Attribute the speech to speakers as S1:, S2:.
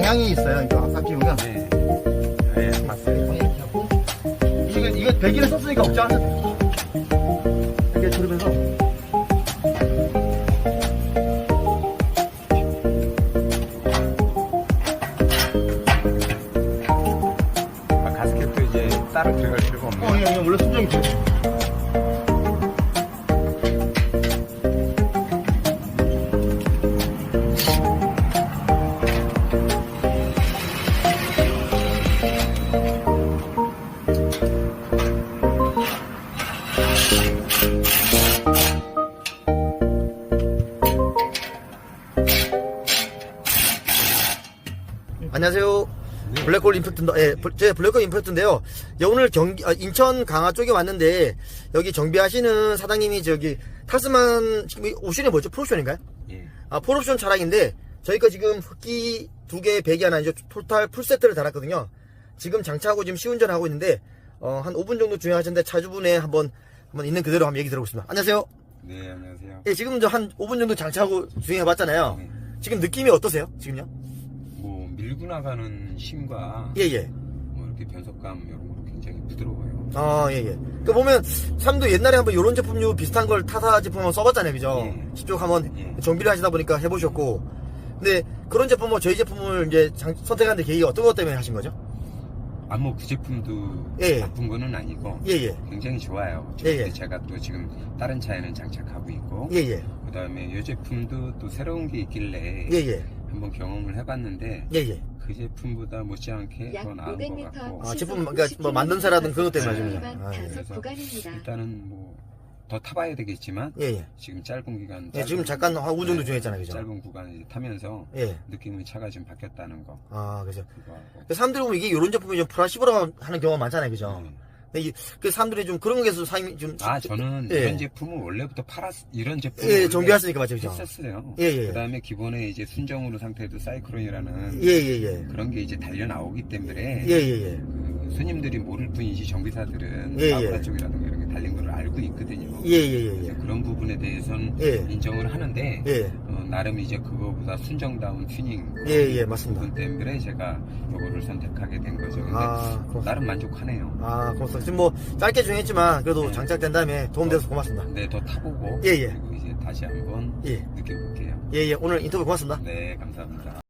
S1: 방향이 있어요. 이거 딱 끼우면.
S2: 네. 네, 봤어요.
S1: 이거 배기를 썼으니까 걱정 안 해도 돼. 이렇게 들으면서.
S2: 아, 가스켓도 이제 따로 들어갈 필요가 없네요.
S1: 이게 원래 순정이 돼. 안녕하세요. 블랙홀 임팩트인데, 예, 제 블랙홀 임팩트인데요. 예, 오늘 인천 강화 쪽에 왔는데, 여기 정비하시는 사장님이 저기, 탈스만, 지금 옵션이 뭐죠? 풀옵션인가요?
S2: 예.
S1: 아, 풀옵션 차량인데, 저희가 지금 흡기 2개, 배기 하나, 이제 토탈 풀세트를 달았거든요. 지금 장착하고 지금 시운전하고 있는데, 한 5분 정도 주행하셨는데, 차주분의 한번 있는 그대로 한번 얘기 들어보겠습니다. 안녕하세요.
S2: 네, 안녕하세요.
S1: 예, 지금 한 5분 정도 장착하고 주행해봤잖아요.
S2: 네.
S1: 지금 느낌이 어떠세요? 지금요?
S2: 뭐, 밀고 나가는 힘과,
S1: 예, 예.
S2: 뭐, 이렇게 변속감, 이런 거로 굉장히 부드러워요.
S1: 아, 예, 예. 그 보면, 사람도 옛날에 한번 요런 제품류 비슷한 걸 타사 제품 한번 써봤잖아요. 그죠?
S2: 예.
S1: 직접 한번
S2: 예.
S1: 정비를 하시다 보니까 해보셨고. 근데 그런 제품을, 저희 제품을 이제 선택한 데 계기가 어떤 것 때문에 하신 거죠?
S2: 아, 뭐, 그 제품도
S1: 예.
S2: 나쁜 거는 아니고,
S1: 예, 예.
S2: 굉장히 좋아요.
S1: 예, 예.
S2: 제가 또 지금 다른 차에는 장착하고 있고,
S1: 예, 예.
S2: 그 다음에 이 제품도 또 새로운 게 있길래,
S1: 예, 예.
S2: 한번 경험을 해봤는데,
S1: 예, 예.
S2: 그 제품보다 못지않게
S3: 약
S2: 더 나은 것
S3: 500m
S2: 같고,
S1: 아, 제품, 그러니까 뭐 만듦새라든 그런 것 때문에 하신 거죠?
S3: 위반
S1: 아, 예.
S3: 단속
S2: 그래서
S3: 구간입니다.
S2: 일단은 뭐, 더 타봐야 되겠지만,
S1: 예, 예.
S2: 지금 짧은 기간,
S1: 예, 지금 잠깐 한 5분 정도 주행했잖아요. 그죠?
S2: 짧은 구간을 이제 타면서,
S1: 예.
S2: 느낌의 차가 좀 바뀌었다는 거,
S1: 아, 그죠.
S2: 그거 하고.
S1: 사람들이 보면 이게 요런 제품이 좀 플라시보라 하는 경우가 많잖아요. 그죠?
S2: 네.
S1: 근데 그 사람들이 좀 그런 게서 사임이 좀.
S2: 아, 저는
S1: 예.
S2: 이런 제품을 원래부터 이런 제품을
S1: 예,
S2: 원래
S1: 정비했으니까 맞죠. 그죠?
S2: 했었어요.
S1: 예, 예.
S2: 그 다음에 기본에 이제 순정으로 상태도 사이클론이라는
S1: 예, 예, 예.
S2: 그런 게 이제 달려 나오기 때문에
S1: 예, 예, 예.
S2: 그 손님들이 모를 뿐이지 정비사들은
S1: 예,
S2: 사우라
S1: 예.
S2: 쪽이라든가 이런 게 달린 걸 알고 있거든요.
S1: 예, 예, 예.
S2: 그래서 그런 부분에 대해서는
S1: 예.
S2: 인정을 하는데
S1: 예.
S2: 나름 이제 그거보다 순정다운 튜닝
S1: 예, 예, 맞습니다.
S2: 부분 때문에 제가 요거를 선택하게 된 거죠. 근데
S1: 아, 고맙습니다.
S2: 나름 만족하네요.
S1: 아, 고맙습니다. 지금 뭐 짧게 주행했지만 그래도
S2: 네.
S1: 장착된 다음에 도움돼서 고맙습니다.
S2: 네, 더 타보고
S1: 예, 예.
S2: 그리고 이제 다시 한번
S1: 예.
S2: 느껴볼게요.
S1: 예, 예. 오늘 인터뷰 고맙습니다.
S2: 네, 감사합니다.